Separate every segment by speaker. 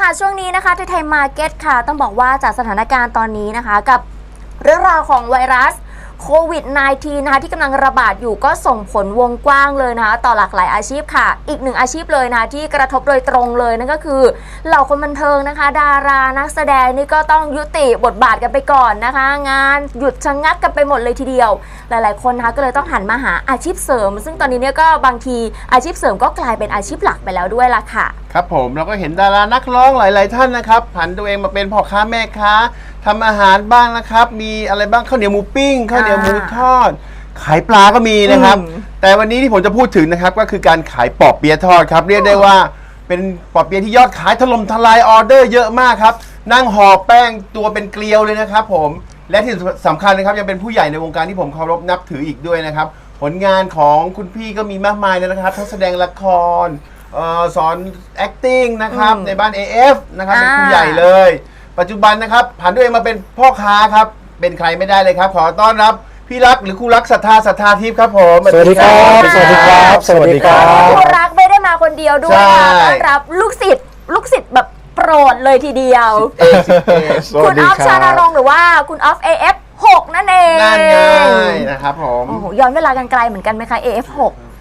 Speaker 1: ค่ะช่วงนี้นะคะไทยมาร์เก็ตค่ะต้องบอกว่าจากสถานการณ์ตอนนี้นะคะกับเรื่องราวของไวรัสโควิด -19 นะคะที่กำลังระบาดอยู่ก็ส่งผลวงกว้างเลยนะคะต่อหลากหลายอาชีพค่ะอีกหนึ่งอาชีพเลยนะที่กระทบโดยตรงเลยนั่นก็คือเหล่าคนบันเทิงนะคะดารานักแสดงนี่ก็ต้องยุติบทบาทกันไปก่อนนะคะงานหยุดชะงักกันไปหมดเลยทีเดียวหลายๆคนนะคะก็เลยต้องหันมาหาอาชีพเสริมซึ่งตอนนี้เนี่ยก็บางทีอาชีพเสริมก็กลายเป็นอาชีพหลักไปแล้วด้วยล่ะค่ะ
Speaker 2: ครับผมเราก็เห็นดารานักร้องหลายๆท่านนะครับผันตัวเองมาเป็นพ่อค้าแม่ค้าทำอาหารบ้างนะครับมีอะไรบ้างข้าวเหนียวหมูปิ้งข้าวเหนียวหมูทอดขายปลาก็มีนะครับแต่วันนี้ที่ผมจะพูดถึงนะครับก็คือการขายปอเปี๊ยะทอดครับเรียกได้ว่าเป็นปอเปี๊ยะที่ยอดขายถล่มทลายออเดอร์เยอะมากครับนั่งห่อแป้งตัวเป็นเกลียวเลยนะครับผมและที่สำคัญนะครับยังเป็นผู้ใหญ่ในวงการที่ผมเคารพนับถืออีกด้วยนะครับผลงานของคุณพี่ก็มีมากมายเลยนะครับทั้งแสดงละครสอน acting นะครับในบ้าน AF นะครับเป็นผู้ใหญ่เลยปัจจุบันนะครับผันตัวเองมาเป็นพ่อค้าครับเป็นใครไม่ได้เลยครับขอต้อนรับพี่รักหรือครูรักศรัทธาทิพย์ครับผม
Speaker 3: สวัสดีครับสวัสดีครับสวัสดีครับ
Speaker 1: ครูรักไม่ได้มาคนเดียวด้วยค่ะต้อนรับลูกศิษย์แบบโปรดเลยทีเดียวคุณออฟชานรงค์หรือว่าคุณออฟ AF6 นั่นเอง
Speaker 2: นั่นไงนะครับผม
Speaker 1: โอ้โหย้อนเวลากันไกลเหมือนกันไหมคะ AF6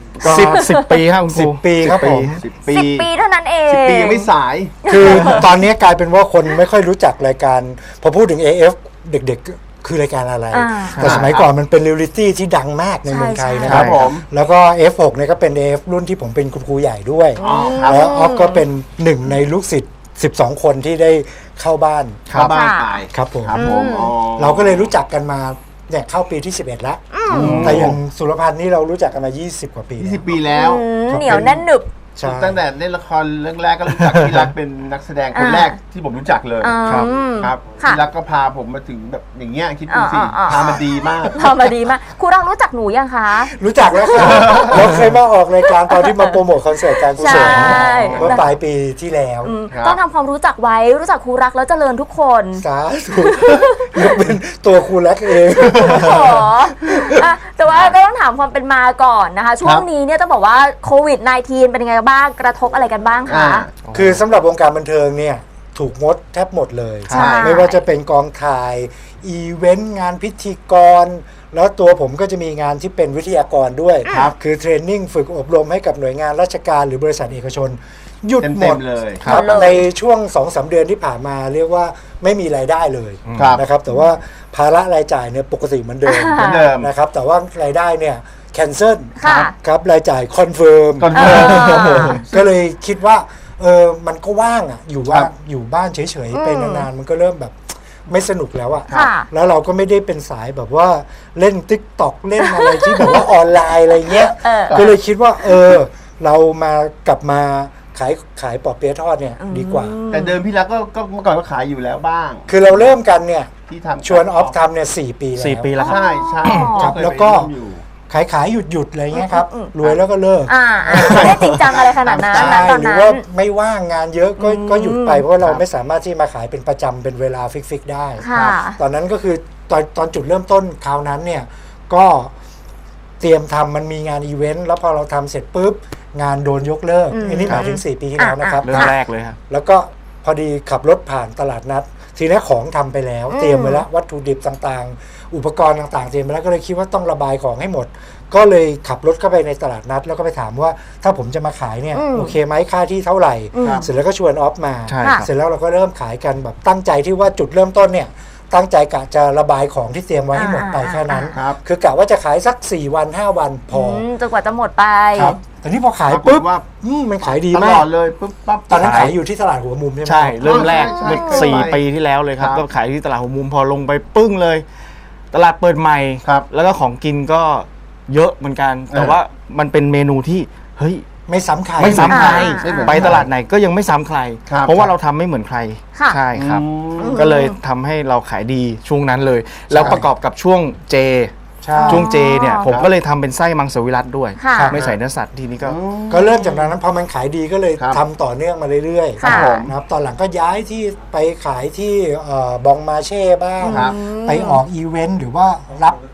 Speaker 3: 10 ปีครับคุณครู10 ปีครับผม
Speaker 1: 10 ปีเท่านั้นเอง
Speaker 2: 10 ปียังไม่สาย
Speaker 3: คือตอนนี้กลายเป็นว่าคนไม่ค่อยรู้จักรายการพอพูดถึง AF เด็กๆคือรายการอะไรแต่สมัยก่อนมันเป็นเรียลลิตี้ที่ดังมากในเมืองไทยนะครับผมแล้วก็ F6 เนี่ยก็เป็น AF รุ่นที่ผมเป็นคุณครูใหญ่ด้วยแล้วออฟก็เป็นหนึ่งในลูกศิษย์12 คนที่ได้เข้าบ้าน
Speaker 2: ไป
Speaker 3: ครับผมเราก็เลยรู้จักกันมาเนี่ยเข้าปีที่11แล้วแต่อย่างสุรพันธ์นี่เรารู้จักกันมา20 กว่าปี
Speaker 2: 20 ปีแล้ว
Speaker 1: เหนียวแน่นหนึบ
Speaker 2: ตั้งแต่เล่นละครเรื่องแรกก็รู้จักพี่รักเป็นนักแสดงคนแรกที่ผมรู้จักเลยครับพี่รักก็พาผมมาถึงแบบอย่างเงี้ยคิดดูสิพามาดีมาก
Speaker 1: ครูรักรู้จักหนูยังคะ
Speaker 3: รู้จักแล้วค่ะเราเคยมาออกรายการตอนที่มาโปรโมทคอนเสิร์ตการกุศลเมื่อปลายปีที่แล้ว
Speaker 1: ต้องทำความรู้จักไว้รู้จักครูรักแล้วเจริญทุกคน
Speaker 3: สาธุยกเป็นตัวครูรักเอง
Speaker 1: แต่ว่าก็ต้องถามความเป็นมาก่อนนะคะช่วงนี้เนี่ยต้องบอกว่าโควิด -19 เป็นยังไงบ้างกระทบอะไรกันบ้างคะ
Speaker 3: คือสำหรับวงการบันเทิงเนี่ยถูกงดแทบหมดเลยไม่ว่าจะเป็นกองถ่ายอีเวนต์งานพิธีกรแล้วตัวผมก็จะมีงานที่เป็นวิทยากรด้วยคือเทรนนิ่งฝึกอบรมให้กับหน่วยงานราชการหรือบริษัทเอกชนหยุดหมด
Speaker 2: เลย
Speaker 3: ครับในช่วง 2-3 เดือนที่ผ่านมาเรียกว่าไม่มีรายได้เลยนะครับแต่ว่าภาระรายจ่ายเนี่ยปกติเหมือนเดิมนะครับแต่ว่ารายได้เนี่ยแคนเซิลครับรายจ่ายคอนเฟิร์มก็เลยคิดว่ามันก็ว่างอ่ะอยู่บ้านเฉยๆไปนานๆมันก็เริ่มแบบไม่สนุกแล้วอ่ะแล้วเราก็ไม่ได้เป็นสายแบบว่าเล่น TikTok เล่นอะไรที่แบบว่าออนไลน์อะไรเงี้ยก็เลยคิดว่าเรากลับมาขายปอเปี๊ยะทอดเนี่ยดีกว่า
Speaker 2: แต่เดิมพี่รักก็เมื่อก่อนก็ขายอยู่แล้วบ้าง
Speaker 3: คือเราเริ่มกันเนี่ยที่ทำชวนออฟทำเนี่ย4 ปีแล้ว
Speaker 2: ใช่
Speaker 3: ครับแล้วก็ขายหยุดอะไรเงี้ยครับรวยแล้วก็เลิก
Speaker 1: ไม่ได้จริงจังอะไรขนาดนั้นตอนนั้น
Speaker 3: หรือว่าไม่ว่างงานเยอะก็หยุดไปเพราะเราไม่สามารถที่มาขายเป็นประจำเป็นเวลาฟิกได้ตอนนั้นก็คือตอนจุดเริ่มต้นคราวนั้นเนี่ยก็เตรียมทำมันมีงานอีเวนต์แล้วพอเราทำเสร็จปุ๊บงานโดนยกเลิกอันนี้หมายถึง4 ปีที่แล้วนะครับ
Speaker 4: เรื่องแรกเลยครับ
Speaker 3: แล้วก็พอดีขับรถผ่านตลาดนัดทีนี้ของทำไปแล้วเตรียมไว้แล้ววัตถุดิบต่างๆอุปกรณ์ต่างๆเตรียมไปแล้วก็เลยคิดว่าต้องระบายของให้หมดก็เลยขับรถเข้าไปในตลาดนัดแล้วก็ไปถามว่าถ้าผมจะมาขายเนี่ยโอเคไหมค่าที่เท่าไหร่เสร็จแล้วก็ชวนออฟมาเสร็จแล้วเราก็เริ่มขายกันแบบตั้งใจที่ว่าจุดเริ่มต้นเนี่ยตั้งใจกะจะระบายของที่เตรียมไว้ให้หมดไปแค่นั้นคือกะว่าจะขายสัก4 วัน5 วันพอ
Speaker 1: จนกว่าจะหมดไป
Speaker 3: แต่นี่พอขายปุ๊บมันขายดีมาก
Speaker 2: เลยปุ๊บปั๊บ
Speaker 3: ตอนนั้นขายอยู่ที่ตลาดหัวมุมใช่ไหม
Speaker 4: ใช่เริ่มแรกเมื่อ4 ปีที่แล้วเลยครับก็ขายที่ตลาดหัวมุมพอลงไปปึ้งเลยตลาดเปิดใหม่แล้วก็ของกินก็เยอะเหมือนกันแต่ว่ามันเป็นเมนูที่เฮ้ย
Speaker 3: ไม่ซ้ำใคร
Speaker 4: ไปตลาดไหนก็ยังไม่ซ้ำใครเพราะว่าเราทำไม่เหมือนใครใช่ครับก็เลยทำให้เราขายดีช่วงนั้นเลยแล้วประกอบกับช่วงเจเนี่ยผมก็เลยทำเป็นไส้มังสวิรัติด้วยไม่ใส่เนื้อสัตว์ทีนี้
Speaker 3: ก็เริ่มจากนั้นพอมันขายดีก็เลยทำต่อเนื่องมาเรื่อยๆนะครับตอนหลังก็ย้ายที่ไปขายที่บองมาเช่บ้างไปออกอีเวนต์หรือว่ารับ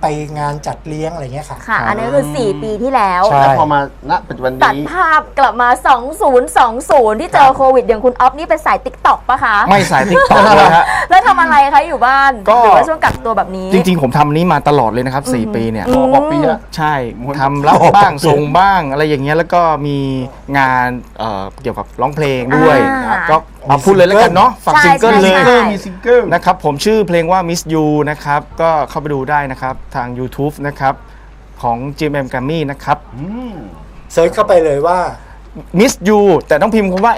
Speaker 3: ไปงานจัดเลี้ยงอะไรเงี้ยค่ะ
Speaker 1: ค่ะ อันนี้คือ 4 ปีที่แล้ว
Speaker 3: ใช่
Speaker 2: แล้วพอมาณปัจจุบัน
Speaker 1: ตัด
Speaker 2: นี้
Speaker 1: ภาพกลับมา 2020 ที่เจอโควิด อย่างคุณออฟนี่เป็นสายติ๊กต็อกปะคะ
Speaker 4: ไม่สายติ๊กต็อกเลยฮะ
Speaker 1: แล้วทำอะไรคะอยู่บ้าน
Speaker 4: ก็
Speaker 1: หรือว่าช่วงกักตัวแบบนี้
Speaker 4: จริงๆ ผมทำนี้มาตลอดเลยนะครับ 4 ปีเนี่ย
Speaker 2: พอปอเปี๊ยะ
Speaker 4: ใช่ทำรับบ้างส่งบ้างอะไรอย่างเงี้ยแล้วก็มีงานเกี่ยวกับร้องเพลงด้วย
Speaker 1: อ่า
Speaker 4: ก็มาพูดเลยแล้วกันเนาะฝาก
Speaker 1: ใช่
Speaker 4: ซิงเกิลเลย
Speaker 1: ใช่
Speaker 2: มีซิงเกิล
Speaker 4: นะครับผมชื่อเพลงว่า Miss You นะครับ ก็เข้าไปดูได้นะครับ ทาง YouTube นะครับ ของ GMM Grammy นะครับ
Speaker 3: เซิร์ชเข้าไปเลยว่า
Speaker 4: Miss You แต่ต้องพิมพ์คำว่า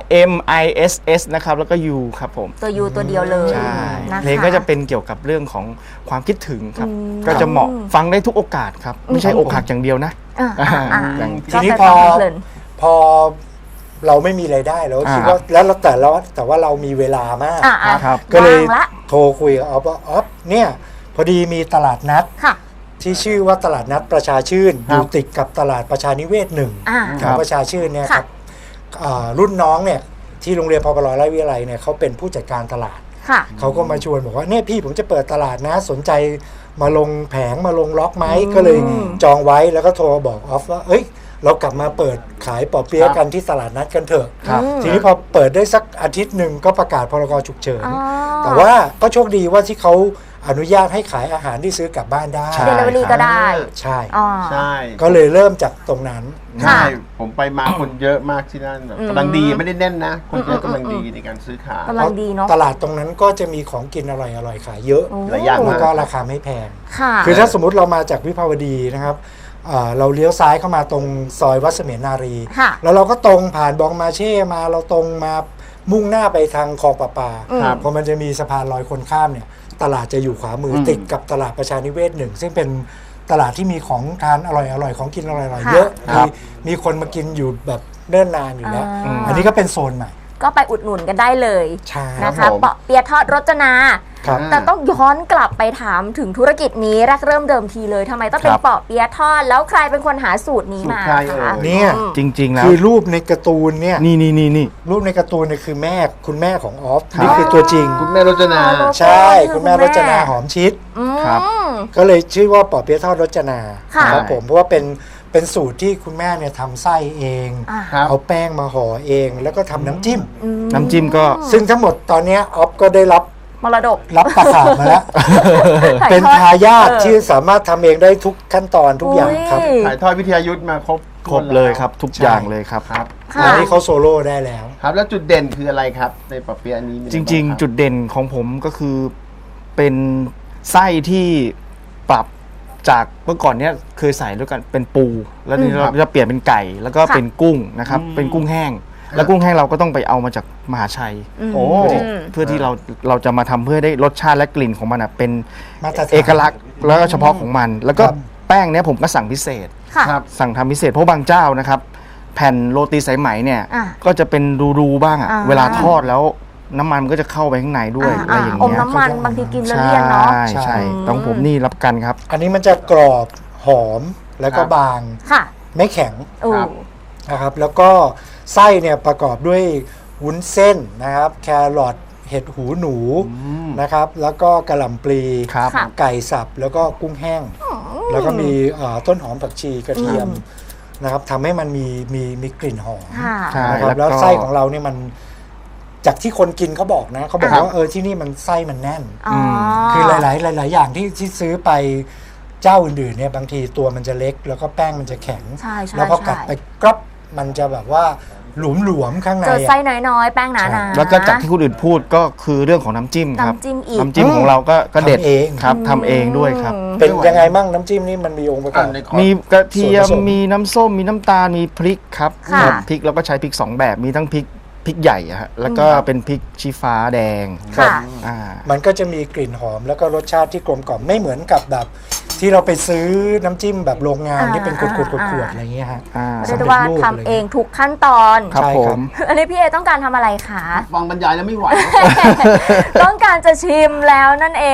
Speaker 4: MISS นะครับ แล้วก็ You ครับผม
Speaker 1: ตัวยูตัวเดียวเลย
Speaker 4: ใช่
Speaker 1: นะคะ
Speaker 4: เพลงก็จะเป็นเกี่ยวกับเรื่องของความคิดถึงครับ ก็จะเหมาะฟังได้ทุกโอกาสครับ ไม่ใช่อกหักอย่างเดียวนะ
Speaker 1: อ่า
Speaker 3: ทีนี้
Speaker 1: ก็
Speaker 3: พอ
Speaker 1: ไปฟังเพลิน
Speaker 3: พอเราไม่มีรายได้เราก็คิด
Speaker 4: อ่า
Speaker 3: ว่าแต่ว่าเรามีเวลามาก
Speaker 4: ครับ
Speaker 3: ก็เลย
Speaker 1: ว่างละ
Speaker 3: โทรคุยกับออฟว่าออฟเนี่ยพอดีมีตลาดนัด
Speaker 1: ค่ะ
Speaker 3: ที่ชื่อว่าตลาดนัดประชาชื่น
Speaker 2: ค
Speaker 3: อ
Speaker 2: รับ
Speaker 3: ยู่ติดกับตลาดประชานิเวศหนึ่ง
Speaker 1: อ่า
Speaker 3: ของประชาชื่นเนี่ยค
Speaker 1: ค่ะ
Speaker 3: รับรุ่นน้องเนี่ยที่โรงเรียนพปรราชวิทยาลัยเนี่ยเขาเป็นผู้จัดการตลาด
Speaker 1: ค่ะ
Speaker 3: เขาก็มาชวนบอกว่าเนี่ยพี่ผมจะเปิดตลาดนะสนใจมาลงแผงมาลงล็อกไหมก็เลยจองไว้แล้วก็โทรบอกออฟว่าเอ้ยเรากลับมาเปิดขายปอเปี๊ยะกันที่ตลาดนัดกันเถอะ
Speaker 4: ครับ
Speaker 3: ทีนี้พอเปิดได้สักอาทิตย์หนึ่งก็ประกาศพรกฉุกเฉิน
Speaker 1: อ๋อ
Speaker 3: แต่ว่าก็โชคดีว่าที่เขาอนุญาตให้ขายอาหารที่ซื้อกลับบ้านได้
Speaker 4: ใช่
Speaker 1: เดลิเวอรี่ก็ได้
Speaker 3: ใช่
Speaker 1: อ๋อ
Speaker 2: ใช่
Speaker 3: ก็เลยเริ่มจากตรงนั้น
Speaker 2: ใช่
Speaker 1: ค่ะ
Speaker 2: ผมไปมาคนเยอะมากที่นั่นแบบกำลังดีไม่ได้แน่นนะ คนเยอะกำลังดีในการซื้อขาย
Speaker 1: กำลังดีเนาะ
Speaker 3: ตลาดตรงนั้นก็จะมีของกินอร่อยๆขายเยอะ
Speaker 1: โอ้
Speaker 2: หลายอย่าง
Speaker 3: แล้วก็ราคาไม่แพง
Speaker 1: ค่ะ
Speaker 3: คือถ้าสมมติเรามาจากวิภาวดีนะครับเราเลี้ยวซ้ายเข้ามาตรงซอยวัดเสมียนนารี
Speaker 1: ค่ะ
Speaker 3: แล้วเราก็ตรงผ่านบองมาเช่มาเราตรงมามุ่งหน้าไปทางคลองประปา
Speaker 2: ครับ
Speaker 3: พอมันจะมีสะพานลอยคนข้ามเนี่ยตลาดจะอยู่ขวามืออติดกับตลาดประชานิเวศหนึ่งซึ่งเป็นตลาดที่มีของทานอร่อยๆของกินอร่อยๆ
Speaker 1: ค่ะ
Speaker 3: เยอะ
Speaker 4: ครับ
Speaker 3: มีคนมากินอยู่แบบเนิ่นนานอยู่แล้ว
Speaker 1: อ่า
Speaker 3: อันนี้ก็เป็นโซนใหม่
Speaker 1: ก็ไปอุดหนุนกันได้เลย
Speaker 3: ใช่
Speaker 1: นะ
Speaker 2: ครั
Speaker 1: คะ
Speaker 2: บผม
Speaker 1: เปาะเปียะทอดรจนา
Speaker 3: ครับ
Speaker 1: แต่ต้องย้อนกลับไปถามถึงธุรกิจนี้แรกเริ่มเดิมทีเลยทำไมต้องเป็น
Speaker 4: ครับ
Speaker 1: เปาะเปียะทอดแล้วใครเป็นคนหาสูตรนี้มา
Speaker 2: สูตรใครเอ่ย
Speaker 1: คะ
Speaker 3: เนี่ย
Speaker 4: จริง ๆ แล้ว
Speaker 3: คือรูปในการ์ตูนเนี่ย
Speaker 4: นี่
Speaker 3: รูปในการ์ตูนเนี่ยคือแม่คุณแม่ของออฟ
Speaker 4: ครับ
Speaker 3: นี่คือตัวจริง
Speaker 2: คุณแม่รจนา
Speaker 1: อ๋อ
Speaker 3: ใช่คุณแม่รจนาหอมชิด
Speaker 1: อืม
Speaker 4: ครับ
Speaker 3: ก็เลยชื่อว่าปอเปี๊ยะทอดรจนา
Speaker 1: ค่ะ
Speaker 3: ครับผมเพราะว่าเป็นสูตรที่คุณแม่เนี่ยทำไส้เอง
Speaker 1: อ่า
Speaker 2: ครับ
Speaker 3: เอาแป้งมาห่อเองแล้วก็ทำน้ำจิ้ม
Speaker 4: น้ำจิ้มก็
Speaker 3: ซึ่งทั้งหมดตอนเนี้ยออฟก็ได้รับ
Speaker 1: มรดก
Speaker 3: ตะขาบมาแล้ว
Speaker 1: ถ่าย
Speaker 3: เป็น
Speaker 1: ทอด
Speaker 3: ทายาท
Speaker 1: เออ
Speaker 3: ที่สามารถทำเองได้ทุกขั้นตอนทุกอย่างครับ
Speaker 1: อุ้ย
Speaker 2: ถ่ายทอดวิทยายุทธมาครบ
Speaker 4: ครบเลยครับ ทุกอย่างเลยครับ
Speaker 2: ครับ
Speaker 1: ค่ะ
Speaker 3: แล้วนี่เขาโซโล่ได้แล้ว
Speaker 2: ครับแล้วจุดเด่นคืออะไรครับ ในปอเปี๊ยะนี้มีอะ
Speaker 4: จ
Speaker 2: ไบ้า
Speaker 4: ริง
Speaker 2: คบ
Speaker 4: ๆ จุดเด่นของผมก็คือเป็นไส้ที่ปรับจากเมื่อก่อนเนี้ยเคยใส่ด้วยกันเป็นปู แล้วทีนี้เราจะเปลี่ยนเป็นไก่ แล้วก็เป็นกุ้งนะครับ เป็นกุ้งแห้ง แล้วกุ้งแห้งเราก็ต้องไปเอามาจากมหาชัย
Speaker 2: โอ้
Speaker 4: เพื่อที่เราจะมาทำเพื่อได้รสชาติและกลิ่นของมันอะเป็น
Speaker 3: มาตรฐาน
Speaker 4: เอกลักษณ์แล้วก็เฉพาะของมัน แล้วก็
Speaker 3: ครับ
Speaker 4: แป้งเนี้ยผมก็สั่งพิเศษ
Speaker 1: ค่ะ
Speaker 2: ครับ
Speaker 4: สั่งทำพิเศษเพราะบางเจ้านะครับ แผ่นโรตีสายไหมเนี่ย
Speaker 1: อ่ะ
Speaker 4: ก็จะเป็นรูๆบ้างอะ
Speaker 1: อ่า
Speaker 4: เวลาทอดแล้วน้ำมันมันก็จะเข้าไปข้างในด้วยอะไรอย่าง
Speaker 1: อม
Speaker 4: เงี้ย
Speaker 1: น้ำมันบางทีกินแล้วเลี่ยนเนาะ
Speaker 4: ใช่ต้องผมนี่รับประกันครับ
Speaker 3: อันนี้มันจะกรอบหอมแล้วก็
Speaker 2: ครับ
Speaker 3: บาง
Speaker 1: ค่ะ
Speaker 3: ไม่แข็ง
Speaker 1: โอ้
Speaker 2: ครับ
Speaker 3: นะครับ แล้วก็ไส้เนี่ยประกอบด้วยวุ้นเส้นนะครับ แครอทเห็ดหูหนูนะครับ แล้วก็กระหล่ำปลี
Speaker 4: ครับ
Speaker 1: ค่ะ
Speaker 3: ไก่สับแล้วก็กุ้งแห้ง แล้วก็มีต้นหอมผักชีกระเทียมนะครับทำให้มันมีกลิ่นหอม
Speaker 1: ค่ะ
Speaker 4: ใช่
Speaker 3: นะครับ
Speaker 4: แล้
Speaker 3: แล้ว
Speaker 4: วก็
Speaker 3: ไส้ของเราเนี่ยมันจากที่คนกินเขาบอกนะเขาบอก
Speaker 2: ครับ
Speaker 3: ว่าที่นี่มันไส้มันแน่น
Speaker 1: อ๋อ
Speaker 3: คือหลายอย่างที่ซื้อไปเจ้าอื่นๆเนี่ยบางทีตัวมันจะเล็ก แล้วก็แป้งมันจะแข็ง
Speaker 1: ใช่ใช่
Speaker 3: แล้วพอกัด
Speaker 1: ใช่
Speaker 3: ไปกรอบมันจะแบบว่าหลวมๆข้างใน
Speaker 1: เจอ
Speaker 3: อะ
Speaker 1: ไส้น้อยๆ แป้งหนาๆ
Speaker 4: แล้วก็จากที่คนอื่นพูดก็คือเรื่องของน้ำจิ้มครับ
Speaker 1: น้ำจิ้มอีก
Speaker 4: น้ำจิ้มของเราก็เด็ด
Speaker 3: ทำเอง
Speaker 4: ครับทำเองด้วยครับ
Speaker 3: เป็นยังไงบ้างน้ำจิ้มนี่มันมีองค์ประกอบ
Speaker 2: ในคอร์ส
Speaker 4: มีกระเทียม
Speaker 3: ส่วนผสม
Speaker 4: มีน้ำส้มมีน้ำตาลมีพริกครับ
Speaker 1: ค่ะ
Speaker 4: ครับพริกเราก็ใช้พริก 2 แบบมีทั้งพริกใหญ่อะฮะแล้วก็เป็นพริกชี้ฟ้าแดง
Speaker 1: ค่ะ
Speaker 4: อ่า
Speaker 3: มันก็จะมีกลิ่นหอมแล้วก็รสชาติที่กลมกล่อมไม่เหมือนกับแบบที่เราไปซื้อน้ำจิ้มแบบโรงงานที่เป็นขวดๆอะไรเงี้ยฮะ
Speaker 4: อ่า
Speaker 1: เรียกได้ว่าทำเองทุกขั้นตอน
Speaker 4: ครับ
Speaker 3: ใช่
Speaker 4: ผ
Speaker 3: ครับ
Speaker 4: ม
Speaker 1: อันนี้พี่เอต้องการทำอะไรคะ
Speaker 2: ฟังบรรยายแล้วไม่ไหว
Speaker 1: ต้องการจะชิมแล้วนั่นเอง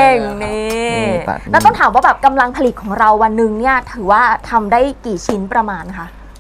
Speaker 2: ใช่แล้วครับ
Speaker 1: นี่
Speaker 4: นี่ตัด
Speaker 1: แล้วต้องถามว่าแบบกำลังผลิตของเราวันหนึ่งเนี่ยถือว่าทำได้กี่ชิ้นประมาณคะ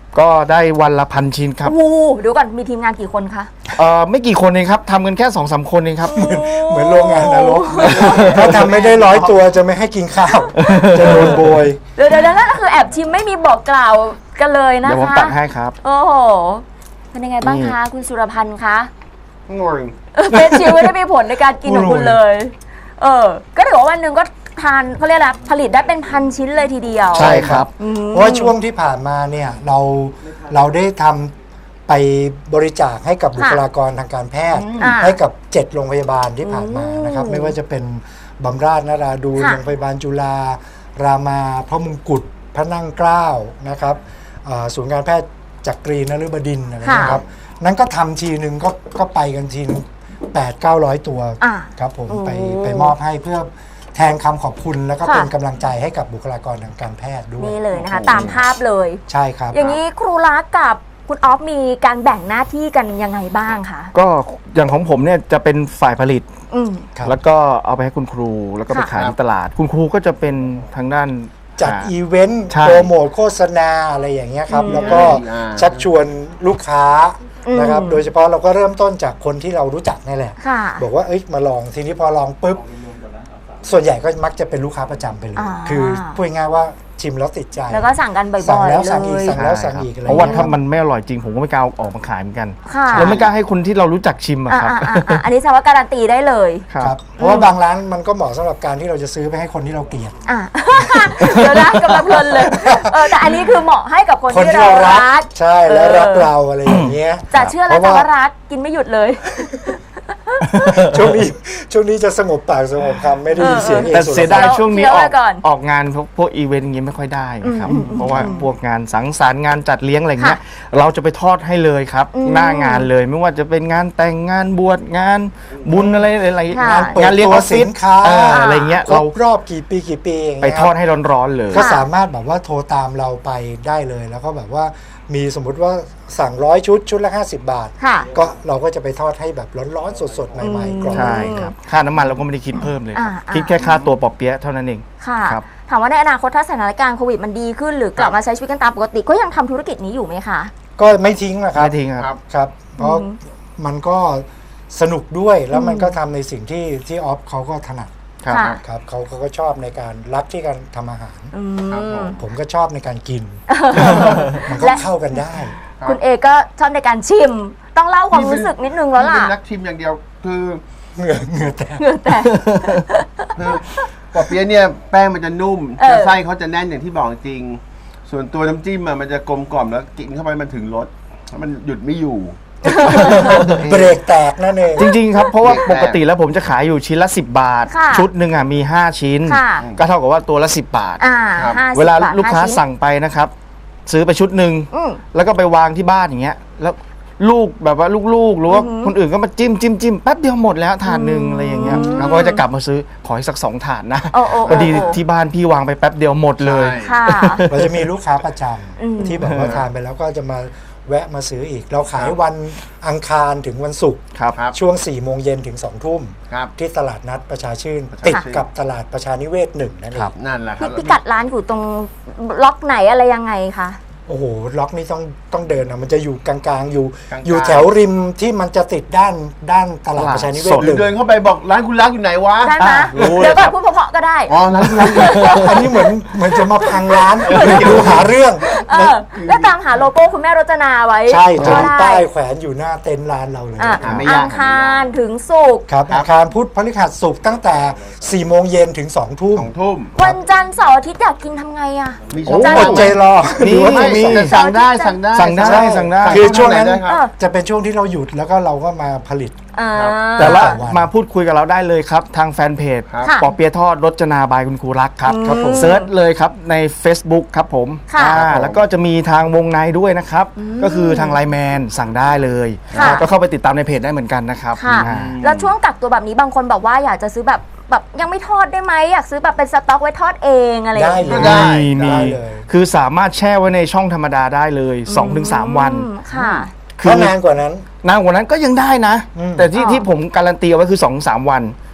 Speaker 4: ก็ได้วันละ1,000 ชิ้นครับ
Speaker 1: โอ้โหเดี๋ยวก่อนมีทีมงานกี่คนคะ
Speaker 4: ไม่กี่คนเองครับทำกันแค่ 2-3 คนเองครับ
Speaker 3: เหมือนโรงงานนรกถ้าทำไม่ได้100 ตัวจะไม่ให้กินข้าว จะโดนโบย
Speaker 1: เดี๋ยวนั่นก็คือแอบชิมไม่มีบอกกล่าวกันเลยนะคะ
Speaker 4: เดี๋ยวผมตักให้ครับ
Speaker 1: โอ้โหเป็นยังไงบ้างคะคุณสุรพันธ์คะ
Speaker 2: งง
Speaker 1: เฟสชิลไม่ได้มีผลในการกินของคุณเลย ก็ถือว่าวันหนึ่งก็ทานเขาเรียกอะไรผลิตได้เป็น1,000 ชิ้นเลยทีเดียว
Speaker 4: ใช่ครับ
Speaker 3: เพราะว่าช่วงที่ผ่านมาเนี่ยเราได้ทำไปบริจาคให้กับบุคลากรทางการแพทย์ ให้กับ7โรงพยาบาลที่ผ่านมานะครับไม่ว่าจะเป็นบำราศนราดูน
Speaker 1: ค่ะ
Speaker 3: โรงพยาบาลจุฬารามาพระมงกุฎพระนั่งเกล้านะครับศูนย์การแพทย์จักรีนฤบดินทร์อะไรนะครับนั้นก็ทำทีนึงก็ไปกันทีนึง800-900 ตัวครับผมไปมอบให้เพื่อแทนคำขอบคุณแล้วก็เป็นกำลังใจให้กับบุคลากรทางการแพทย์ด้วย
Speaker 1: นี่เลยนะคะตามภาพเลย
Speaker 3: ใช่ครับ
Speaker 1: อย่างนี้ครูรักกับคุณออฟมีการแบ่งหน้าที่กันยังไงบ้างคะ
Speaker 4: ก็อย่างของผมเนี่ยจะเป็นฝ่ายผลิต
Speaker 3: ครับ
Speaker 4: แล้วก็เอาไปให้คุณครูแล้วก็ไปขายในตลาด คุณครูก็จะเป็นทางด้าน
Speaker 3: จัดอีเวนต์
Speaker 4: ใช่
Speaker 3: โปรโมทโฆษณาอะไรอย่างเงี้ยครับ แล้วก็ชักชวนลูกค้านะครับโดยเฉพาะเราก็เริ่มต้นจากคนที่เรารู้จักนี่แหละ
Speaker 1: ค่ะ
Speaker 3: บอกว่าเอ้ยมาลองทีนี้พอลองปุ๊บส่วนใหญ่ก็มักจะเป็นลูกค้าประจำไปเลย คือพูดง่ายๆว่าชิมแล้วติดใจ
Speaker 1: แล้วก็สั่งกันบ่อยๆ
Speaker 3: สั่งแล้วสั่งอีก
Speaker 1: เลย
Speaker 3: สั่งแล้วสั่งอีกอะไร
Speaker 4: เพราะว่า
Speaker 3: อย่ง
Speaker 4: ถ้า
Speaker 3: งี้ย
Speaker 4: มันไม่อร่อยจริงผมก็ไม่กล้าเอาออกมาขายเหมือนกัน
Speaker 1: ค่ะ
Speaker 4: แล้วไม่กล้าให้คนที่เรารู้จักชิมอะครับ
Speaker 1: อันนี้แสดงว่าการันตีได้เลย
Speaker 3: ครับเพราะว่าบางร้านมันก็เหมาะสำหรับการที่เราจะซื้อไปให้คนที่เราเกลียด
Speaker 1: เดี๋ยวนะกำลังเพลินเลยแต่อันนี้คือเหมาะให้กับคนที่เรารัก
Speaker 3: ใช่แล้วรักเราอะไรอย่างเงี้ย
Speaker 1: จะเชื่อแล้วจะว่ารักกินไม่หยุดเลย
Speaker 3: ช่วงนี้จะสงบปากสงบคำไม่ได้ยินเสียงเอง
Speaker 4: แต่เสียดายช่วงนี้
Speaker 1: เคี้ยว
Speaker 4: อ
Speaker 1: ไว้
Speaker 4: อก
Speaker 1: ก่อน
Speaker 4: ออกงานพวกอีเวนต์อย่างงี้ไม่ค่อยได้ครับ เพราะว่าพวกงานสังสรรค์งานจัดเลี้ยงอะไรเงี้ยเราจะไปทอดให้เลยครับ หน้างานเลยไม่ว่าจะเป็นงานแต่งงานบวชงานบุญอะไร
Speaker 1: ค่ะ
Speaker 3: เปิด
Speaker 4: งานเลี้ยง
Speaker 3: ตั
Speaker 4: อ
Speaker 3: ว
Speaker 4: อฟฟิ
Speaker 3: สิ
Speaker 4: ศ
Speaker 3: นค้า
Speaker 4: อะไรเงี้ย
Speaker 3: คร
Speaker 4: เรา
Speaker 3: บรอบกี่ปีอย่าง
Speaker 4: ไป
Speaker 3: เงี้ย
Speaker 4: ทอดให้ร้อนๆเลย
Speaker 3: ก็สามารถแบบว่าโทรตามเราไปได้เลยแล้วก็แบบว่ามีสมมุติว่าสั่ง100 ชุดละ50 บาท
Speaker 1: ค่ะ
Speaker 3: ก็เราก็จะไปทอดให้แบบร้อนๆสดๆใหม่ๆกรอบ
Speaker 4: ใช่ครับค่าน้ำมันเราก็ไม่ได้คิดเพิ่มเลยครับ
Speaker 1: อ่า
Speaker 4: คิดแค่ค่าตัวปอเปี๊ยะเท่านั้นเอง
Speaker 1: ค่ะ
Speaker 4: ครับ
Speaker 1: ถามว่าในอนาคตถ้าสถานการณ์โควิดมันดีขึ้นหรือกลับมาใช้ชีวิตกันตามปกติก็ยังทำธุรกิจนี้อยู่ไหมคะ
Speaker 3: ก็ไม่ทิ้งนะครับ
Speaker 4: ไม่ทิ้งครับ
Speaker 3: ครับ เพราะมันก็สนุกด้วยแล้วมันก็ทำในสิ่งที่ออฟเขาก็ถนัด
Speaker 4: ครับ
Speaker 1: ค่ะ
Speaker 3: ครับเขาก็ชอบในการรักที่การทำอาหาร
Speaker 2: ครับผม
Speaker 3: ผมก็ชอบในการกิน มันก็
Speaker 1: และ
Speaker 3: เข้ากันได้
Speaker 1: คุณเอก็ชอบในการชิม ต้องเล่าความรู้สึกนิดนึงแล้วล่ะ
Speaker 2: เป็นนักชิมอย่างเดียวคือ
Speaker 3: เหงื่อแตก
Speaker 1: เหงื่อแตก
Speaker 2: คือปอเปี๊ยะเนี่ยแป้งมันจะนุ่ม
Speaker 1: เออ
Speaker 2: แต่ไส้เขาจะแน่นอย่างที่บอกจริง ส่วนตัวน้ำจิ้มอะมันจะกลมกล่อมแล้วกินเข้าไปมันถึงรสมันหยุดไม่อยู่
Speaker 3: เบรกแตกนั่นเอง
Speaker 4: จริงๆครับ เพราะว่าปกติแล้วผมจะขายอยู่ชิ้นละ 10 บาท
Speaker 1: ค่ะ
Speaker 4: ชุดหนึ่งมี5 ชิ้น
Speaker 1: ค่ะ
Speaker 4: ก็เท่ากับว่าตัวละ 10 บาท
Speaker 2: ครับ
Speaker 1: 50
Speaker 4: เวลา
Speaker 1: บท
Speaker 4: ลูกค้า
Speaker 1: 5ชิ้น
Speaker 4: สั่งไปนะครับ ซื้อไปชุดหนึ่ง
Speaker 1: อืม
Speaker 4: แล้วก็ไปวางที่บ้านอย่างเงี้ยแล้วลูกแบบว่าลูกๆหรือว่าคนอื่นก็มาจิ้มแป๊บเดียวหมดแล้วถาดหนึ่งอะไรอย่างเงี้ยแล้วก็จะกลับมาซื้อขออีกสัก2 ถาดนะ
Speaker 1: โอ้โอ้
Speaker 4: พอดี
Speaker 1: โอ้
Speaker 4: ที่บ้านพี่วางไปแป๊บเดียวหมดเลย
Speaker 2: ใช่
Speaker 1: ค่ะ
Speaker 3: เราจะมีลูกค้าประจ
Speaker 1: อืม
Speaker 3: ำที่แบบว่าทานไปแล้วก็จะมาแวะมาซื้ออีก เราขายวันอังคารถึงวันศุกร์
Speaker 4: ครับ
Speaker 2: ครับ
Speaker 3: ช่วง4 โมงเย็นถึง2 ทุ่ม
Speaker 2: ครับ
Speaker 3: ที่ตลาดนัดประชาชื่น
Speaker 2: ประชาชื่น
Speaker 3: ติดกับตลาดประชานิเวศ1นั่นเอ
Speaker 4: ครั
Speaker 3: ง
Speaker 4: บ
Speaker 2: นั่นแหละครับ
Speaker 1: พิกัดร้านอยู่ตรงล็อกไหนอะไรยังไงคะ
Speaker 3: โอ้โหล็อกนี่ต้องเดินนะมันจะอยู่กลางๆอยู่
Speaker 2: กลางๆ
Speaker 3: อยู่แถวริมที่มันจะติดด้านตลาดประชานิเวศ
Speaker 4: สด
Speaker 3: หนึ่ง
Speaker 2: เดินเข้าไปบอกร้านคุณรักอยู่ไหนวะ
Speaker 1: ได้ไหม
Speaker 2: รู้เล
Speaker 1: เดี๋ย
Speaker 2: ยว
Speaker 1: ก่
Speaker 2: ค
Speaker 1: อ
Speaker 2: รั
Speaker 1: น
Speaker 2: บ
Speaker 1: พูดเพราะๆก็ได้
Speaker 2: อ๋อร้านคุณรักอยู่
Speaker 3: อันนี้เหมือนจะมาพังร้านดูหาเรื่อง
Speaker 1: แล้วตามหาโลโก้คุณแม่รจนาไว้
Speaker 3: ใช่จะ
Speaker 1: ก็
Speaker 3: มี
Speaker 1: ได้
Speaker 3: ป้ายแขวนอยู่หน้าเต็นท์ร้านเราเลย
Speaker 1: อ่ะ
Speaker 2: ไม่ยาก
Speaker 1: อังคารถึงศุกร์
Speaker 3: ครับอาคารพุธพฤหัสศุกร์ตั้งแต่4 โมงเย็นถึง2 ทุ่ม
Speaker 2: 2 ทุ่ม
Speaker 1: วันจันทร์เสาร์อาทิตย์อยากกินทำไงอ่ะ
Speaker 2: มี
Speaker 3: โอ้
Speaker 2: ช่อง
Speaker 3: อดใจรอ
Speaker 4: นี่
Speaker 3: หรือว่า
Speaker 2: ไม่
Speaker 3: มี
Speaker 2: แต่สั่งได้สั่งได้
Speaker 4: สั่งได้ สั่งได้
Speaker 3: คือช่วงนั้น
Speaker 2: ได้ครับ
Speaker 3: จะเป็นช่วงที่เราหยุดแล้วก็เราก็มาผลิต
Speaker 2: ครับ
Speaker 4: แต่ละ
Speaker 3: วัน
Speaker 4: มาพูดคุยกับเราได้เลยครับ ทางแฟนเพจ
Speaker 2: ครับ
Speaker 1: ค่ะ
Speaker 4: ปอเปี๊ยะทอดรจนาบายคุณครูรักครับ
Speaker 1: ครับผม
Speaker 4: เซิร์ชเลยครับใน Facebook ครับผม
Speaker 1: ค่ะ
Speaker 4: แล้วก็จะมีทางวงในด้วยนะครับ ก็คือทางไลน์แมนสั่งได้เลย
Speaker 1: ค่ะ
Speaker 4: ก็เข้าไปติดตามในเพจได้เหมือนกันนะครับ
Speaker 1: ค่ะ
Speaker 4: อ่า
Speaker 1: แล้วช่วงกักตัวแบบนี้บางคนบอกว่าอยากจะซื้อแบบยังไม่ทอดได้ไหมอยากซื้อแบบเป็นสต็อกไว้ทอดเองอะไรอย่าง
Speaker 3: ได้
Speaker 1: เงี้ย
Speaker 3: เลย
Speaker 4: มี
Speaker 3: ได้เลย
Speaker 4: คือสามารถแช่ไว้ในช่องธรรมดาได้เลย 2-3 วัน
Speaker 1: ค่ะ
Speaker 3: ถ้านานกว่านั้น
Speaker 4: นานกว่านั้นก็ยังได้นะ
Speaker 3: อืม
Speaker 4: แต่ที่
Speaker 1: อ๋อ
Speaker 4: ที่ผมการันตีเอาไว้คือ 2-3 วัน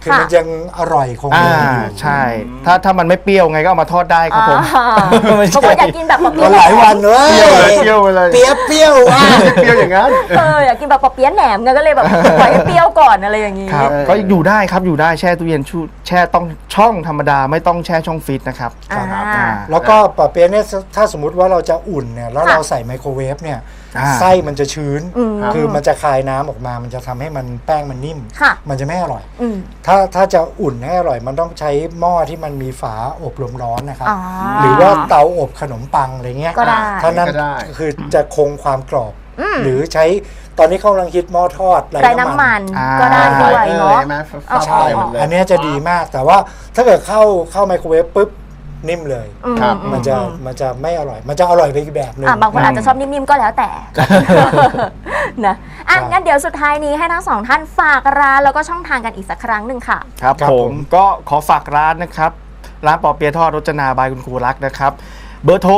Speaker 3: คือมันยังอร่อยคง
Speaker 4: อ่า
Speaker 3: เดิมอยู่
Speaker 4: ใช่ ถ้ามันไม่เปรี้ยวไงก็เอามาทอดได้ครับผม ไม่ใช่
Speaker 1: บางคนอยากกินแบบปอเปี๊
Speaker 3: ก็
Speaker 1: ยะ
Speaker 3: หลายวันเลย
Speaker 2: เปรี้ยวไปเลย
Speaker 3: เปรี้ยวอ่ะ
Speaker 2: เปรี้ยวอย่างนั้น
Speaker 1: อยากกินแบบปอเปี๊ยะแหนมไงก็เลยแบบปล่อยให้เปรี้ยวก่อนอะไรอย่างนี้
Speaker 4: ครับก็อยู่ได้ครับอยู่ได้แช่ตู้เย็นแช่ต้องช่องธรรมดาไม่ต้องแช่ช่องฟรีซนะครับ
Speaker 1: อ่า
Speaker 3: แล้วก็ปอเปี๊ยะเนี่ยถ้าสมมุติว่าเราจะอุ่นเนี่ยแล้วเราใส่ไมโครเวฟเนี่ย
Speaker 4: อ่า
Speaker 3: ไส้มันจะชื้น คือมันจะคายน้ำออกมามันจะทำให้มันแป้งมันนิ่ม
Speaker 1: ค่ะ
Speaker 3: มันจะไม่อร่อย
Speaker 1: อืม
Speaker 3: ถ้าจะอุ่นให้อร่อยมันต้องใช้หม้อที่มันมีฝาอบลมร้อนนะครับ
Speaker 1: อ๋อ
Speaker 3: หรือว่าเตาอบขนมปังอะไรเงี้ย
Speaker 1: ก็ได้
Speaker 3: ถ้านั้น
Speaker 2: ก็ได้
Speaker 3: คือจะคงความกรอบ หรือใช้ตอนนี้เขากำลังคิดหม้อทอด
Speaker 1: ไร้น้ำมัน
Speaker 4: อ่า
Speaker 1: ก็ได้ด้วยเนาะ
Speaker 2: ใช่ไหม
Speaker 1: อ๋อ
Speaker 3: ใช่
Speaker 2: หมดเลย
Speaker 3: อันเนี้ยจะดีมากแต่ว่าถ้าเกิดเข้าไมโครเวฟปุ๊บนิ่มเลย
Speaker 2: ครับ
Speaker 3: มันจะไม่อร่อย มันจะอร่อยไปอีกแบบหนึง
Speaker 1: บางคนอาจจะชอบนิ่มๆก็แล้วแต่ นะงั้นเดี๋ยวสุดท้ายนี้ให้ทั้งสองท่านฝากร้านแล้วก็ช่องทางกันอีกสักครั้งหนึ่งค่ะ
Speaker 4: ครับ
Speaker 3: ครับ
Speaker 4: ผ
Speaker 3: ผม ม
Speaker 4: ก็ขอฝากร้านนะครับ ร้านปอเปี๊ยะทอดรจนาบายคุณครูรักนะครับ เบอร์โทร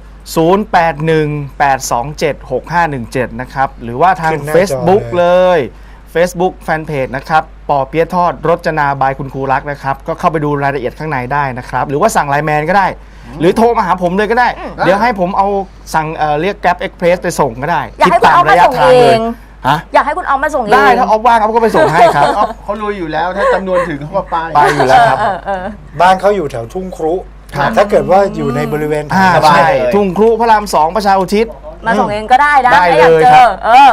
Speaker 4: 0818276517 นะครับ หรือว่าทาง
Speaker 3: ขึ้นหน้าจอ
Speaker 4: Facebook
Speaker 3: เลย
Speaker 4: Facebook Fanpage นะครับปอเปี๊ยะทอดรจนาบายคุณครูรักนะครับ ก็เข้าไปดูรายละเอียดข้างในได้นะครับ หรือว่าสั่งไลน์แมนก็ได้ หรือโทรมาหาผมเลยก็ได้ เดี๋ยวให้ผมเอาสั่งเรียก Grab Express ไปส่งก็ได้
Speaker 1: อยากให้คุณเอามาส่งเอง
Speaker 4: ฮะ
Speaker 1: อยากให้คุณเอามาส่งเอง
Speaker 4: ได้ถ้าออฟว่างเขาก็ไปส่งให้ครับ
Speaker 2: เขารู้อยู่แล้วถ้าจำนวนถึงเขาก็ไป
Speaker 4: ไปอยู่แล้วครับ
Speaker 3: บ้านเขาอยู่แถวทุ่งครุ
Speaker 4: ครับ
Speaker 3: ถ้าเกิดว่าอยู่ในบริเวณ
Speaker 2: สบาย
Speaker 4: ใช่
Speaker 2: เลย
Speaker 4: ทุ่งครุพระราม 2 ประชาอุทิศ
Speaker 1: มาส่งเองก็ได้นะ
Speaker 4: ได้
Speaker 1: ถ้าอยาก
Speaker 4: เลย
Speaker 1: เจ
Speaker 4: ครั
Speaker 1: อบ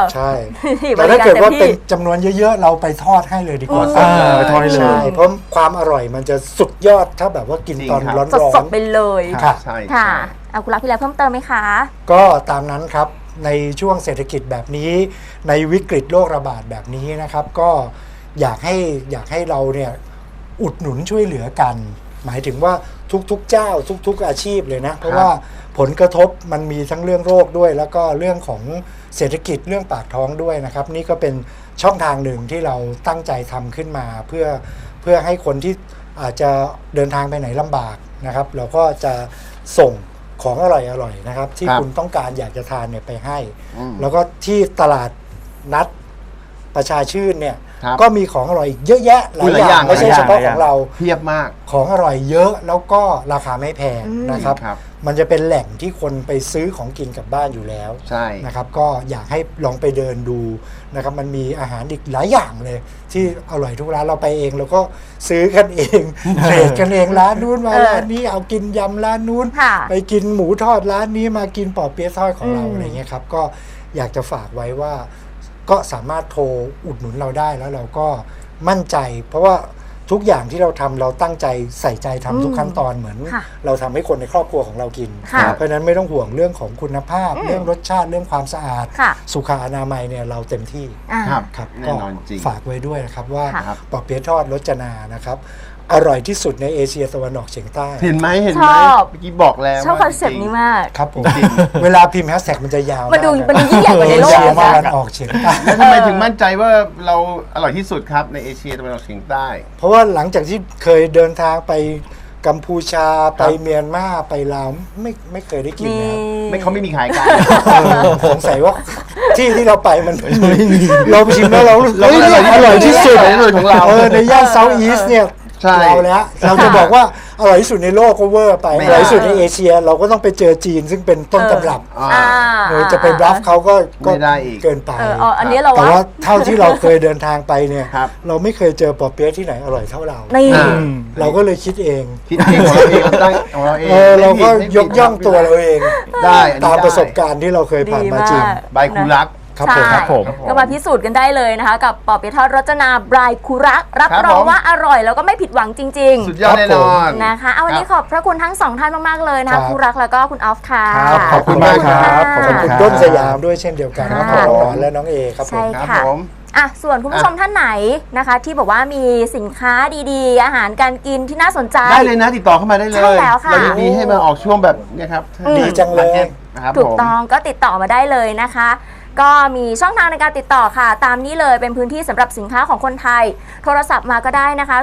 Speaker 3: ใช่
Speaker 1: บ
Speaker 3: แต่
Speaker 1: ริ
Speaker 3: ถ้า
Speaker 1: การ
Speaker 3: เกิด
Speaker 1: เต็ม
Speaker 3: ว่าเป็น
Speaker 1: ที่
Speaker 3: จำนวนเยอะๆ เราไปทอดให้เลยดีกว่า
Speaker 4: ไปทอดให้เลย
Speaker 3: ใช่เพราะความอร่อยมันจะสุดยอดถ้าแบบว่ากิน
Speaker 2: จริง
Speaker 3: ตอน
Speaker 2: ครับ
Speaker 3: ร้อน
Speaker 1: สดๆไปเลย
Speaker 3: ค่ะ
Speaker 2: ใช่
Speaker 1: ค่ะ
Speaker 2: ใช่
Speaker 1: เอาคุณรักพี่แล้วเพิ่มเติมไหมคะ
Speaker 3: ก็ตามนั้นครับในช่วงเศรษฐกิจแบบนี้ในวิกฤตโรคระบาดแบบนี้นะครับ ก็อยากให้เราเนี่ยอุดหนุนช่วยเหลือกัน หมายถึงว่าทุกๆเจ้าทุกๆอาชีพเลยนะ เพราะว่าผลกระทบมันมีทั้งเรื่องโรคด้วย แล้วก็เรื่องของเศรษฐกิจเรื่องปากท้องด้วยนะครับ นี่ก็เป็นช่องทางหนึ่งที่เราตั้งใจทำขึ้นมาเพื่อให้คนที่อาจจะเดินทางไปไหนลำบากนะครับ เราก็จะส่งของอร่อยๆนะครับ ที่
Speaker 2: ครับ
Speaker 3: คุณต้องการอยากจะทานเนี่ยไปให้
Speaker 2: อืม
Speaker 3: แล้วก็ที่ตลาดนัดประชาชื่นเนี่ย
Speaker 2: ครับ
Speaker 3: ก็มีของอร่อยอีกเยอะแยะหลาย
Speaker 2: หลาย
Speaker 3: อ
Speaker 2: อย่า
Speaker 3: ย่าง งไม่ใช่
Speaker 4: หลายอ
Speaker 3: เฉ
Speaker 4: ย่าง
Speaker 3: พาะของเรา
Speaker 2: เพียบมาก
Speaker 3: ของอร่อยเยอะแล้วก็ราคาไม่แพงนะครับ
Speaker 2: ครับ
Speaker 3: มันจะเป็นแหล่งที่คนไปซื้อของกินกลับบ้านอยู่แล้ว
Speaker 2: ใช่
Speaker 3: นะครับ ก็อยากให้ลองไปเดินดูนะครับ มันมีอาหารอีกหลายอย่างเลย ที่อร่อยทุกร้านเราไปเองเราก็ซื้อกันเอง เทรดกันเองร้านนู้นมาร้านนี้เอากินยำร้านนู้น
Speaker 1: ค่ะ
Speaker 3: ไปกินหมูทอดร้านนี้มากินปอเปี๊ยะทอดของเรา
Speaker 1: อืม
Speaker 3: อะไรเงี้ยครับก็อยากจะฝากไว้ว่าก็สามารถโทรอุดหนุนเราได้แล้วเราก็มั่นใจ เพราะว่าทุกอย่างที่เราทำเราตั้งใจใส่ใจทำทุกขั้นตอนเหมือน
Speaker 1: ค่ะ
Speaker 3: เราทำให้คนในครอบครัวของเรากิน
Speaker 1: ค่ะ
Speaker 3: เพราะฉะนั้นไม่ต้องห่วงเรื่องของคุณภาพ เรื่องรสชาติเรื่องความสะอาด
Speaker 1: ค่ะ
Speaker 3: สุขอนามัยเนี่ยเราเต็มที่
Speaker 2: ครับ
Speaker 3: ครับ
Speaker 2: แน่
Speaker 3: ก็
Speaker 2: นอนจริง
Speaker 3: ฝากไว้ด้วยนะครับว่า
Speaker 1: ค่ะ
Speaker 3: ปอเปี๊ยะทอดรสจนานะครับอร่อยที่สุดในเอเชียตะวันออกเฉียงใต้
Speaker 2: เห็นไหมเห็น
Speaker 1: ช
Speaker 2: ไหม
Speaker 1: อบ
Speaker 2: เมื่อกี้บอกแล้ว
Speaker 1: ชอบคอนเซ็ปต์
Speaker 2: จริง
Speaker 1: นี้มาก
Speaker 3: ครับผมเวลาพิมพ์แฮชแท็กมันจะยาว
Speaker 1: มันดู
Speaker 3: าก
Speaker 1: มันดูยิ่งใหญ่กว่าในโลก
Speaker 3: เอเชีย
Speaker 1: นะ
Speaker 3: ตะวันออกเฉียงใต้
Speaker 2: แล้วทำไมถึงมั่นใจว่าเราอร่อยที่สุดครับในเอเชียตะวันออกเฉียงใต้
Speaker 3: เพราะว่าหลังจากที่เคยเดินทางไปกัมพูชาไปเมียนมาไปลาวไม่เคยได้กิน
Speaker 1: นี่
Speaker 3: นะครับ
Speaker 2: ไม่เขาไม่มีขายกัน
Speaker 3: สงสัยว่าที่เราไปมันเราไปชิมแล้วเราเฮ้ยเนี่ยอร่อยที่สุด
Speaker 2: อร่อยที่สุดของเรา
Speaker 3: ในย่านเซาท์อีสเนี่ย
Speaker 2: ใช่
Speaker 3: เราแล้วเราจะบอกว่าอร่อยที่สุดในโลกก็เวอร์ไป
Speaker 2: ไม่
Speaker 3: อ
Speaker 2: ได้
Speaker 3: ร่อยที่สุดในเอเชีย เราก็ต้องไปเจอจีนซึ่งเป็นต้นตำรับ
Speaker 2: อ่า
Speaker 3: จะไปบลัฟเขาก็
Speaker 2: ไม่ได้อีก
Speaker 3: เกินไป
Speaker 1: อันนี้เรา
Speaker 3: แต่ว่าเท่าที่เราเคยเดินทางไปเนี่ย
Speaker 2: ครับ
Speaker 3: เราไม่เคยเจอปอเปี๊ยะที่ไหนอร่อยเท่าเรา
Speaker 1: นี่
Speaker 2: อ่า
Speaker 3: เราก็เลยคิดเอง
Speaker 2: คิดเองของเราเองตั้งของเราเอง
Speaker 3: เราก็
Speaker 2: ไม่ผิด
Speaker 3: ยกย่องตัวเราเอง
Speaker 2: ได้อันนี้
Speaker 3: ตาม
Speaker 2: ได้
Speaker 3: ประสบการณ์ที่เราเคยผ่านมาจริง
Speaker 1: ดีมาก
Speaker 2: ใบคูรัก
Speaker 3: ครับ
Speaker 1: ใช่
Speaker 3: ผม
Speaker 4: ครับผม
Speaker 1: ก็มาพิสูจน์กันได้เลยนะคะ กับปอเปี๊ยะทอดรจนาบรายคุรัก รับ
Speaker 2: ครับ
Speaker 1: รอง
Speaker 2: ผม
Speaker 1: ว่าอร่อยแล้วก็ไม่ผิดหวังจริง
Speaker 2: สุดยอดแน่นอน
Speaker 1: ๆนะคะเอาวันนี้ขอบพระคุณทั้งสองท่านมากๆเลยนะ
Speaker 3: ครั
Speaker 1: คะ
Speaker 3: บ
Speaker 1: คุรักแล้วก็คุณออฟค่ะ
Speaker 3: ครับขอบคุณมากครับ
Speaker 1: ะ
Speaker 3: ขอบคุณต้นสยามด้วยเช่นเดียวกันครับ
Speaker 1: ค่ะ
Speaker 3: น้องหนอนและน้องเอครับผม
Speaker 1: ใช่
Speaker 2: ครับ
Speaker 1: ค่ะ
Speaker 2: ผม
Speaker 1: ส่วนคุณผู้ชมท่านไหนนะคะ ที่บอกว่ามีสินค้าดีๆ อาหารการกินที่น่าสนใจ
Speaker 2: ได้เลยนะติดต่อเข้ามาได้เลย
Speaker 1: ใช่แล้วค่ะ
Speaker 2: เรายินดีให้มาออกช่วงแบบเนี้ครับ
Speaker 3: ดีจังเลย
Speaker 2: นะครับ
Speaker 1: ถูก
Speaker 2: ผม
Speaker 1: ต้องก็ติดต่อมาได้เลยนะคะ ก็มีช่องทางในการติดต่อค่ะ ตามนี้เลยเป็นพื้นที่สำหรับสินค้าของคนไทย โทรศัพท์มาก็ได้นะคะ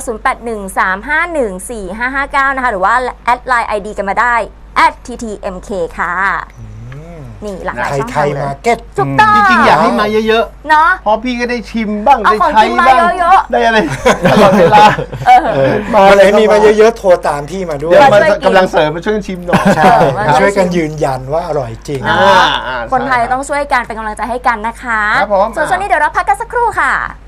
Speaker 1: 0813514559 นะคะ หรือว่าแอดไลน์ ID กันมาได้ @ttmk ค่ะนี่หลากหลาย
Speaker 3: ไทย
Speaker 1: ช่อง
Speaker 3: ไท
Speaker 1: ทาง
Speaker 3: ย
Speaker 1: เลย
Speaker 3: มาร์เก็ต
Speaker 1: ถูกต้อง
Speaker 2: จริงๆอยากให้มาเยอะ
Speaker 1: เนาะ
Speaker 2: ๆเพราะพี่ก็ได้ชิมบ้าง
Speaker 1: เอา
Speaker 2: ได้
Speaker 1: ของ
Speaker 2: ใช้
Speaker 1: กินมา
Speaker 2: บ้าง
Speaker 1: เยอะๆ
Speaker 2: ได้อะไรตลอดเวลา
Speaker 3: มา
Speaker 2: อะ
Speaker 3: ไหน
Speaker 2: ไร
Speaker 3: มีมาเยอะๆโทรตามพี่มาด้วย
Speaker 2: เดี๋ยว
Speaker 1: มา
Speaker 2: มา
Speaker 1: ช่วยกิน
Speaker 2: กำลังเสริมมาช่วยกันชิมหน่อย
Speaker 3: ใช่
Speaker 1: มา
Speaker 3: ช่วยกันยืนยันว่าอร่อยจริง
Speaker 1: เนาะ
Speaker 2: อ่า
Speaker 1: คนไทย
Speaker 2: ใช่
Speaker 1: ต้องช่วยกันเป็นกำลังใจให้กันนะคะ
Speaker 2: ครับผม
Speaker 1: ส่วนช่วงนี้เดี๋ยวเราพักกันสักครู่ค่ะ